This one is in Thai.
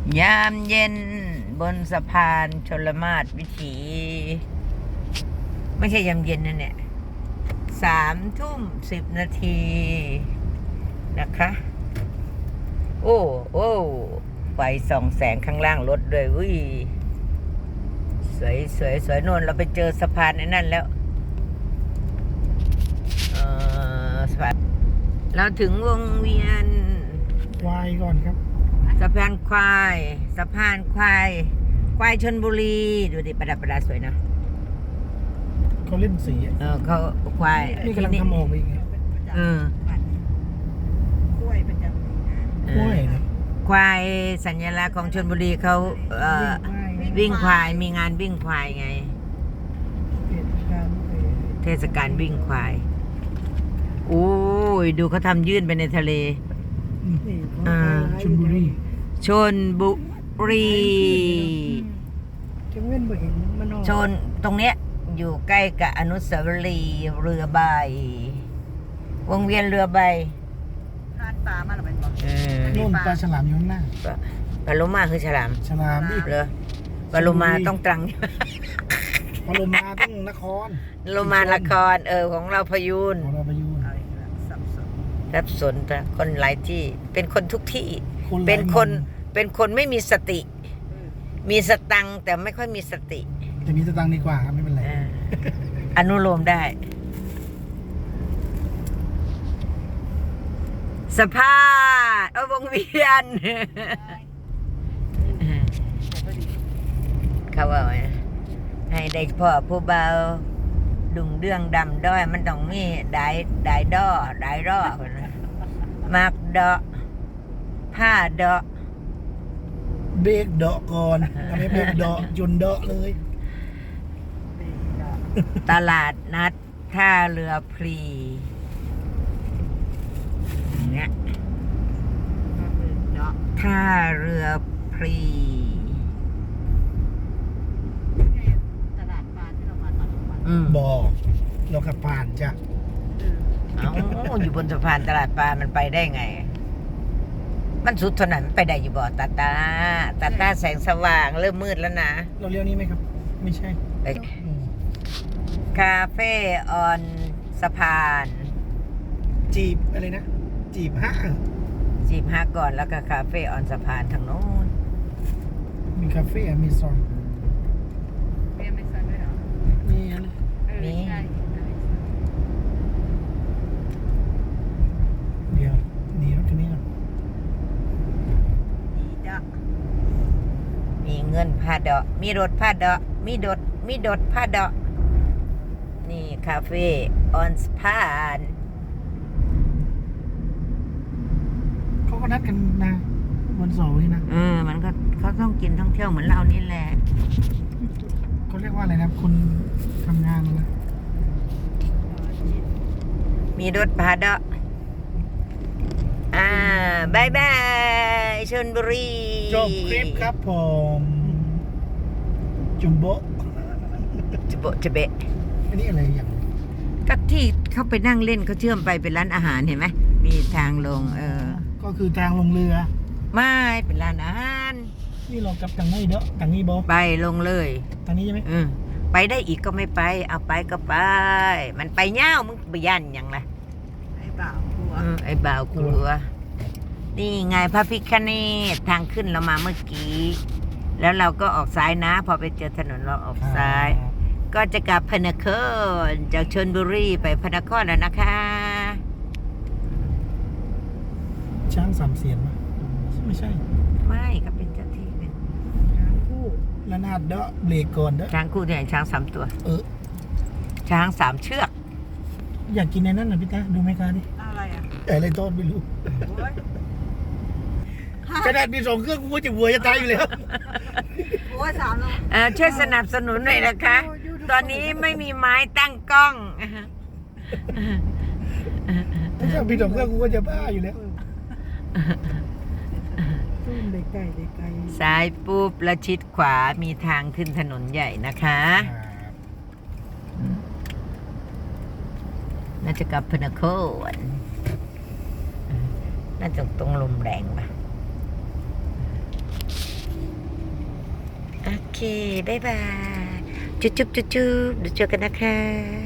ยามเย็นบนสะพานชลมาศวิถีไม่ใช่ยามเย็นนะเนี่ย3:10 นาทีนะคะโอ้ไฟส่องแสงข้างล่างรถด้วยอุ้ยสวยโน่นเราไปเจอสะพานไอ้นั่นแล้วสะพานเราถึงวงเวียนควายก่อนครับสะพานควายชลบุรีดูดิประดับสวยนะเขาเล่นสีอะเขาควายนี่กำลังทำออกไปอีกไงกล้วยประจำกล้วยนะควายสัญลักษณ์ของชลบุรีเขาวิ่งควายมีงานวิ่งควายไง เทศกาลวิ่งควายโอ้ยดูเขาทำยื่นไปในทะเลชลบุรีชลบุรีจะเว้นบ่เห็นมันออกชนตรงเนี้ยอยู่ใกล้กับอนุสาวรีย์เรือใบ วงเวียนเรือใบทานปลามาหรือเปล่าโน่นปลาฉลามอยู่ข้างหน้าปลาโลมาคือฉลามฉลามดิเหรอปลาโลมาต้องตรังปลาโลมาต้องนครโลมาละครของเราพยูนของเราไปอยู่เอาอีกแล้วสับสนรับสนแต่คนหลายที่ เป็นคนทุกที่คนหลายเป็นคนไม่มีสติ มีสตังค์แต่ไม่ค่อยมีสติแต่มีสตังค์ดีกว่าครับไม่เป็นไรอนุโลมได้ สภาพวงเวียน เขาว่าไงให้ได้พ่อผู้เบาดุงเรื่องดำด้อยมันต้องมีได้ด้อคนนะมักดอผ้าดอเบรกเดาะก่อนทำให้เบรกเดาะจนเดาะเลยตลาดนัดท่าเรือพลีเนี่ยท่าเรือพลีตลาดปลาที่เรามาตอนกลางวันบอกเราขับผ่านจ้ะเอาอยู่บนสะพานตลาดปลามันไปได้ไง มันสุดถนนมันไปได้อยู่บ่ตาแสงสว่างเริ่มมืดแล้วนะเราเลี้ยวนี้ไหมครับ ไม่ใช่ไปอืมคาเฟ่ออนสะพานจีบอะไรนะ จีบฮะ 15ก่อนแล้วก็คาเฟ่ออนสะพานทางโน้นมีคาเฟ่มีซอนเรียนไม่ใช่ด้วยเหรอมีอะไรใช่เดี๋ยวหนีรถคันนี้ก่อนดีจ้ะมีเงินผ้าดอกมีรถผ้าดอกมีดดผ้าดอกนี่คาเฟ่ออนสะพานเขาก็นัดกันนะวันเสาร์นี่นะมันก็เขาต้องกินท่องเที่ยวเหมือนเรานี่แหละเขาเรียกว่าอะไรนะคนทำงานนะมีรถพาดะบายบายชลบุรีจบคลิปครับผมจุมโบะจะเบะอันนี้อะไรอย่างก็ที่เขาไปนั่งเล่นเขาเชื่อมไปเป็นร้านอาหารเห็นไหมมีทางลงก็คือทางลงเรือไม่เป็นร้านอาหารนี่เรากลับทางไหนเด้อทางนี้บอไปลงเลยทางนี้ใช่ไหมไปได้อีกก็ไม่ไป เอาไปก็ไป มันไปเง่ามึงไปยันหยังล่ะไอ้บ่าวกลัวไอ้บ่าวกลัว นี่ไงพระพิฆเนศทางขึ้นเรามาเมื่อกี้ แล้วเราก็ออกซ้ายนะ พอไปเจอถนนเราออกซ้าย ก็จะกลับพระนครจากชลบุรีไปพระนครแล้วนะคะช้างสามเสียนปะไม่ใช่ไม่ก็เป็นเจ้าที่เป็นทั้งคู่ระนาดเด้อเบรกก่อนเด้อช้างคู่เนี่ยช้าง3 ตัวเออช้าง3 เชือกอยากกินในนั้นนะพี่ตาดูไหมคะดิอะไรอ่ะอะไรต้นไม่รู้โอ้ยกระดาษมี2 เครื่องกูว่าจะวัวจะตายอยู่แล้วโอ้ย3แล้วช่วยสนับสนุนหน่อยนะคะ ตอนนี้ไม่มีไม้ตั้งกล้องถ้ามี2 เครื่องกูก็จะบ้าอยู่แล้วตุ้มเด็กไก่เด็กไก่ซ้ายปุ๊บแล้วชิดขวามีทางขึ้นถนนใหญ่นะคะน่าจะกลับพระนครน่าจะตรงลมแรงป่ะเค บ๊ายบาย จุ๊บจุ๊บจุ๊บจุ๊บเดี๋ยวเจอกันนะคะ